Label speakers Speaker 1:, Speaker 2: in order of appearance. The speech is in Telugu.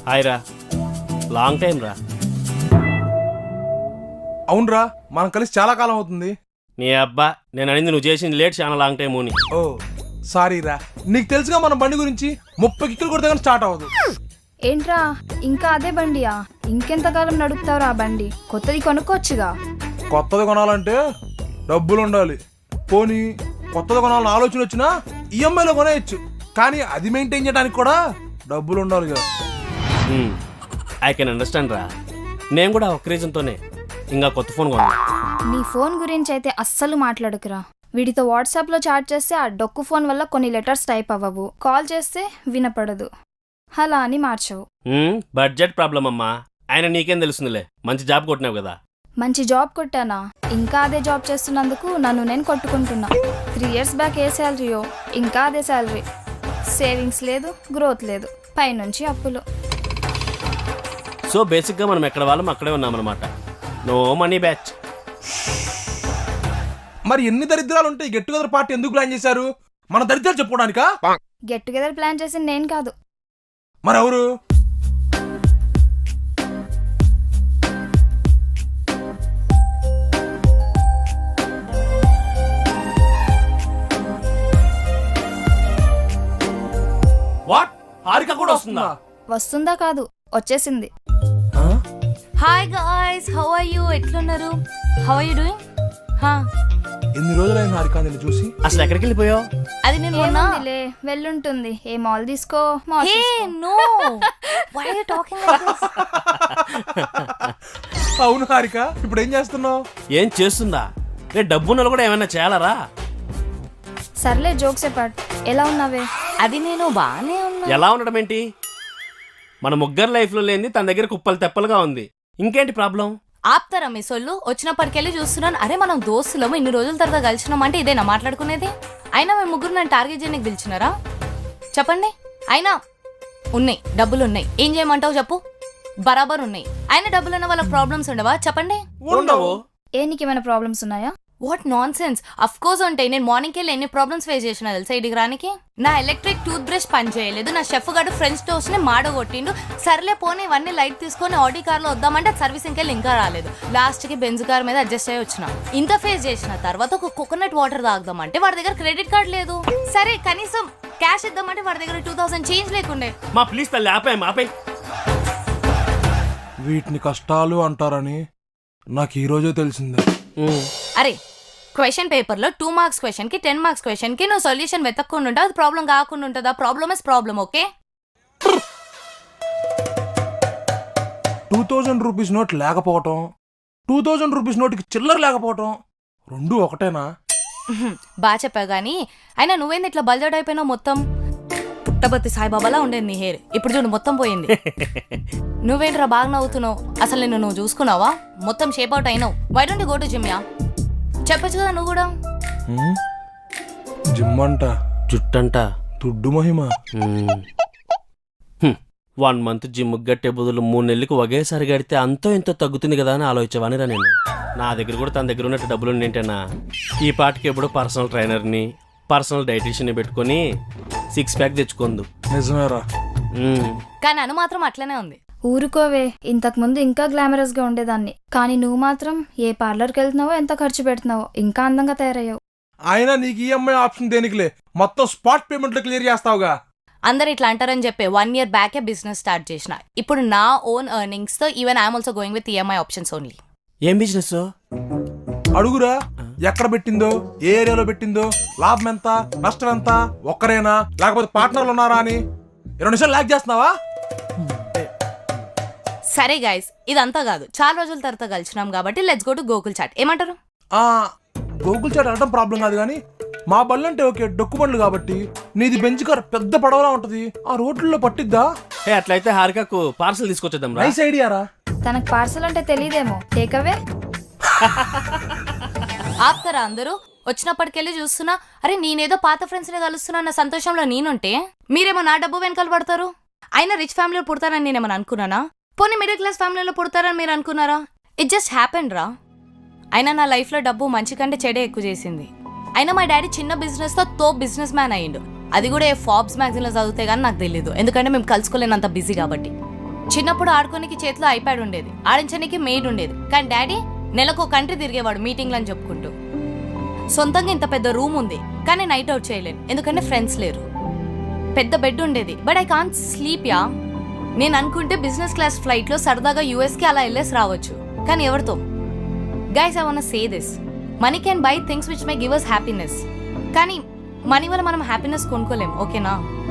Speaker 1: హాయ్ రా, లాంగ్ టైం రా.
Speaker 2: అవునరా, మనం కలిసి చాలా కాలం అవుతుంది.
Speaker 1: నీ అబ్బా, నేను అనింది నువ్వు చేసింది లేట్, చాలా లాంగ్ టైం అని.
Speaker 2: ఓ సారీ రా, నీకు తెలుసుగా మన బండి గురించి 30 కిక్కులు కొడితే కానీ స్టార్ట్ అవ్వదు.
Speaker 3: ఏంట్రా ఇంకా అదే బండియా? ఇంకెంతకాలం నడుపుతావురా ఆ బండి? కొత్తది కొనుక్కోవచ్చుగా.
Speaker 2: కొత్తది కొనాలంటే డబ్బులు ఉండాలి. పోనీ కొత్తది కొనాలని ఆలోచన వచ్చినా ఈఎంఐలో కొనేయచ్చు, కానీ అది మెయింటైన్ చేయడానికి కూడా డబ్బులు ఉండాలి కదా.
Speaker 1: ఐ కెన్ అండర్స్టాండ్ రా. నేను కూడా ఒక రీజన్తోనే ఇంకా కొత్త ఫోన్ కొన్నా.
Speaker 3: నీ ఫోన్ గురించి అయితే అస్సలు మాట్లాడుకురా. వీడితో వాట్సాప్లో చాట్ చేస్తే ఆ డొక్కు ఫోన్ వల్ల కొన్ని లెటర్స్ టైప్ అవ్వవు, కాల్ చేస్తే వినపడదు, అలా అని మార్చవు.
Speaker 1: బడ్జెట్ ప్రాబ్లం అమ్మా. ఆయన నీకేం తెలుస్తుందిలే, మంచి జాబ్ కొట్టినావు కదా.
Speaker 3: మంచి జాబ్ కొట్టానా? ఇంకా అదే జాబ్ చేస్తున్నందుకు నన్ను నేను కొట్టుకుంటున్నా. 3 years బ్యాక్ ఏ శాలరీయో ఇంకా అదే శాలరీ. సేవింగ్స్ లేదు, గ్రోత్ లేదు, పైనుంచి అప్పులు.
Speaker 1: సో బేసిక్గా మనం ఎక్కడ వాళ్ళం అక్కడే ఉన్నామన్నమాట. No money batch.
Speaker 2: మరి ఎన్ని దరిద్రాలు ఉంటాయి? గెట్ టుగెదర్ పార్టీ ఎందుకు ప్లాన్ చేశారు? మన దరిద్రాలు చెప్పుకోవడానికా?
Speaker 3: గెట్ టుగెదర్ ప్లాన్ చేసింది నేను కాదు.
Speaker 2: మరి ఎవరు?
Speaker 1: వాట్? హారిక కూడా వస్తుందా?
Speaker 3: వస్తుందా కాదు, వచ్చేసింది.
Speaker 4: Hi guys, how are you? ఎట్లున్నారు? How are you doing?
Speaker 2: ఎన్ని రోజులైంది హారిక నిన్ను చూసి?
Speaker 1: అసలు ఎక్కడికి వెళ్ళిపోయావు?
Speaker 4: అది నేను మొన్న
Speaker 3: ఏముందిలే, వెళ్ళుంటుంది. ఏ మాల్ తీసుకో, మాల్
Speaker 4: హే
Speaker 3: తీసుకో.
Speaker 4: No, why are you talking like this?
Speaker 2: అవును హారిక, ఇప్పుడు ఏం చేస్తున్నావు?
Speaker 1: ఏం చేస్తుందా? రేపు డబ్బున్నలు కూడా ఏమైనా చేయాలరా?
Speaker 3: సర్లే, జోక్స్ చెప్పాడు. ఎలా ఉన్నావే?
Speaker 4: అది నేను బానే ఉన్నా.
Speaker 1: ఎలా ఉండడం ఏంటి? మన ముగ్గురు లైఫ్లో లేనిది తన దగ్గర కుప్పలు తెప్పలుగా ఉంది. ఇంకేంటి ప్రాబ్లం?
Speaker 4: ఆప్తారా మీ సొల్లు? వచ్చినప్పటికెళ్ళి చూస్తున్నాను, అరే మనం దోస్తులము, ఇన్ని రోజుల తర్వాత కలిసినాం అంటే ఇదేనా మాట్లాడుకునేది? అయినా మేము ముగ్గురు నన్ను టార్గెట్ చేయడానికి పిలిచినారా? చెప్పండి. అయినా ఉన్నాయి, డబ్బులు ఉన్నాయి, ఏం చేయమంటావు చెప్పు? బరాబర్ ఉన్నాయి. అయినా డబ్బులున్న వాళ్ళకి ప్రాబ్లమ్స్ ఉండవా? చెప్పండి.
Speaker 1: ఉండవు.
Speaker 3: ఏ నీకేమైనా ప్రాబ్లమ్స్ ఉన్నాయా?
Speaker 4: What nonsense. Of course ఉంటాయి. నేను మార్నింగ్కి వెళ్ళి ఎన్ని ప్రాబ్లమ్స్ ఫేస్ చేసినా తెలుసా ఇడికి రానికి? నా ఎలక్ట్రిక్ టూత్ బ్రష్ పని చేయలేదు, నా షెఫ్ గారు ఫ్రెంచ్ టోస్ట్ ని మాడగొట్టిండు. సర్లే పోనీ ఇవన్నీ లైట్ తీసుకొని ఆడి కార్ లో వద్దామంటే సర్వీసింగ్కి వెళ్ళి ఇంకా రాలేదు. లాస్ట్ కి బెంజ్ కార్ మీద అడ్జస్ట్ అయ్యి వచ్చిన. ఇంత ఫేస్ చేసిన తర్వాత ఒక కోకోనట్ వాటర్ తాగుదామంటే వాడి దగ్గర క్రెడిట్ కార్డ్ లేదు. సరే కనీసం క్యాష్ ఇద్దామంటే వాడి దగ్గర 2000 చేంజ్ లేకుండే.
Speaker 1: మా ప్లీజ్ తల్లి ఆపే.
Speaker 2: వీటిని కష్టాలు అంటారని నాకు ఈ రోజే తెలిసిందే.
Speaker 4: అరే క్వశ్చన్ పేపర్ లో 2 మార్క్స్ క్వశ్చన్ కి 10 మార్క్స్ క్వశ్చన్ కి నువ్వు సొల్యూషన్ వెతక్కుండా ఉంటావు, అది ప్రాబ్లం కాకుండా ఉంటుందా? Problem is problem. Okay,
Speaker 2: 2000 rupees note లేకపోవటం, 2000 రూపీస్ నోట్కి చిల్లర లేకపోవటం రెండు ఒకటేనా?
Speaker 4: బాగా చెప్పావు గానీ అయినా నువ్వేంది ఇట్లా బల్జడ్ అయిపోయినావు? మొత్తం పుట్టబత్తి సాయిబాబాలా ఉండేది నీ హెయిర్, ఇప్పుడు చూడు మొత్తం పోయింది. నువ్వేంట్రా బాగా నవ్వుతున్నావు? అసలు నిన్ను నువ్వు చూసుకున్నావా? మొత్తం షేప్ అవుట్ అయినావు. Why don't you go to gym? Yeah చెప్పచ్చు కదా నువ్వు కూడా.
Speaker 2: జిమ్ అంట,
Speaker 1: జుట్టంట,
Speaker 2: దుడ్డు మహిమ.
Speaker 1: 1 month జిమ్ గట్టే బదులు 3 నెలలకు ఒకేసారి గడితే అంతో ఎంతో తగ్గుతుంది కదా అని ఆలోచించవానిరా నేను. నా దగ్గర కూడా తన దగ్గర ఉన్నట్టు డబ్బులు ఏంటన్నా, ఈ పాటికి ఎప్పుడు పర్సనల్ ట్రైనర్ని, పర్సనల్ డైటీషియన్ని పెట్టుకొని 6 pack తెచ్చుకోందు.
Speaker 2: నిజమేరా.
Speaker 4: కానీ అను మాత్రం అట్లనే ఉంది.
Speaker 3: ఊరుకోవే, ఇంతకు ముందు ఇంకా గ్లామరస్ గా ఉండేదాన్ని, కానీ నువ్వు మాత్రం ఏ పార్లర్కి వెళ్తున్నావో, ఎంత ఖర్చు పెడుతున్నావో, ఇంకా అందంగా తయారయ్యావు.
Speaker 2: అయినా నీకు ఈఎంఐ ఆప్షన్ దేనికిలే, మొత్తం స్పాట్ పేమెంట్లో క్లియర్ చేస్తావుగా.
Speaker 4: అందరు ఇట్లా అంటారని చెప్పి 1 year బ్యాకే బిజినెస్ స్టార్ట్ చేసిన. ఇప్పుడు నా ఓన్ ఎర్నింగ్స్ తో even I'm also going with EMI options only.
Speaker 1: ఏం బిజినెస్?
Speaker 2: అడుగురా, ఎక్కడ పెట్టిందో, ఏ ఏరియాలో పెట్టిందో, లాభం ఎంత, నష్టం ఎంత, ఒక్కరేనా లేకపోతే పార్ట్నర్లు ఉన్నారా అని 2 నిమిషాలు లాగ్ చేస్తున్నావా?
Speaker 4: సరే గైస్, ఇదంతా కాదు, చాలా రోజుల తర్వాత కలిసినాం కాబట్టి let's go to Gokul chat. ఏమంటారు?
Speaker 2: గూగుల్ చాట్ అనడం ప్రాబ్లం కాదు, కానీ మా బళ్ళు అంటే ఓకే, డొక్కు బండ్లు కాబట్టి. నీది బెంచ్ కార్ పెద్ద పడవలా ఉంటది, ఆ రోడ్లలో పట్టిద్దా?
Speaker 1: అట్లయితే హారికకు పార్సల్ తీసుకొచ్చేద్దాం రా.
Speaker 2: నైస్ ఐడియారా.
Speaker 3: తనకు పార్సల్ అంటే తెలియదేమో, టేకవే.
Speaker 4: ఆప్తారా అందరూ? వచ్చినప్పటికెళ్ళి చూస్తున్నా, అరే నేనేదో పాత ఫ్రెండ్స్ ని కలుస్తున్నా అన్న సంతోషంలో నేనుంటే మీరేమో నా డబ్బు వెనకాల పడతారు. అయినా రిచ్ ఫ్యామిలీలో పుడతారని నేనేమన్నా అనుకున్నానా? పోనీ మిడిల్ క్లాస్ ఫ్యామిలీలో పుడతారని మీరు అనుకున్నారా? ఇట్ జస్ట్ హ్యాపెండ్ రా. అయినా నా లైఫ్లో డబ్బు మంచి కంటే చెడే ఎక్కువ చేసింది. అయినా మా డాడీ చిన్న బిజినెస్తో తోప్ బిజినెస్ మ్యాన్ అయ్యిండు. అది కూడా ఫోర్బ్స్ మ్యాగజైన్లో చదివితే కానీ నాకు తెలియదు, ఎందుకంటే మేము కలుసుకోలేనంత బిజీ కాబట్టి. చిన్నప్పుడు ఆడుకోనికి చేతిలో ఐప్యాడ్ ఉండేది, ఆడించడానికి మెయిడ్ ఉండేది. కానీ డాడీ నెలకు ఒక కంట్రీ తిరిగేవాడు మీటింగ్లు అని చెప్పుకుంటూ. సొంతంగా ఇంత పెద్ద రూమ్ ఉంది, కానీ నైట్ అవుట్ చేయలేను ఎందుకంటే ఫ్రెండ్స్ లేరు. పెద్ద బెడ్ ఉండేది, but I can't sleep yeah. నేను అనుకుంటే బిజినెస్ క్లాస్ ఫ్లైట్లో సరదాగా యూఎస్కి అలా వెళ్ళేసి రావచ్చు, కానీ ఎవరితో? Guys, I want say this, money can buy things which may give us happiness, కానీ మనీ వల్ల మనం హ్యాపీనెస్ కొనుక్కోలేం, ఓకేనా?